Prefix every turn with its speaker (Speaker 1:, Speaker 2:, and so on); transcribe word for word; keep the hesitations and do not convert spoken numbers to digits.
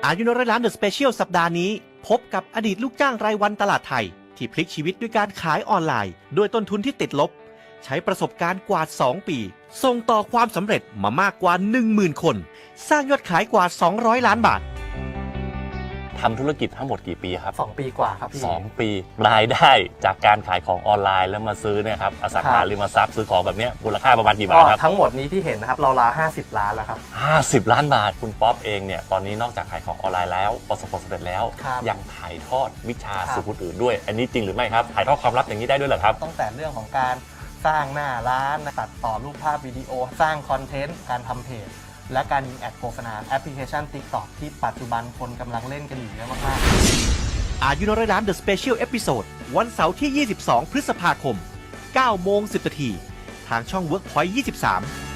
Speaker 1: อายุน้อยล้านเดอะสเปเชียลสัปดาห์นี้พบกับอดีตลูกจ้างรายวันตลาดไทยที่พลิกชีวิตด้วยการขายออนไลน์ด้วยต้นทุนที่ติดลบใช้ประสบการณ์กว่าสองปีส่งต่อความสำเร็จมามากกว่า หนึ่งหมื่น คนสร้างยอดขายกว่าสองร้อยล้านบาท
Speaker 2: ทำธุรกิจทั้งหมดกี่ปีครับ
Speaker 3: สองปีกว่าครับพี่
Speaker 2: สองปีรายได้จากการขายของออนไลน์แล้วมาซื้อเนี่ยครับอสังหาริมทรัพย์ซื้อของแบบนี้มูลค่าประมาณกี่บาทครับ
Speaker 3: ทั้งหมดนี้ที่เห็นนะครับเราลาห้าสิบล้านแล้วครับ
Speaker 2: ห้าสิบล้านบาทคุณป๊อปเองเนี่ยตอนนี้นอกจากขายของออนไลน์แล้วประสบความสำเร็จแล้วยังถ่ายทอดวิชาสู่คนอื่นด้วยอันนี้จริงหรือไม่ครับถ่ายทอดความลับอย่างนี้ได้ด้วยเหรอครับ
Speaker 3: ตั้งแต่เรื่องของการสร้างหน้าร้านตัดต่อรูปภาพวิดีโอสร้างคอนเทนต์การทำเพจและการยิงแอดโฆษณาแอปพลิเคชัน TikTok ที่ปัจจุบันคนกำลังเล่นกันอยู่เยอะมาก
Speaker 1: ๆอายุน้อยล้าน The Special Episode วันเสาร์ที่ยี่สิบสองพฤษภาคมเก้าโมงสิบนาทีทางช่อง Workpoint ยี่สิบสาม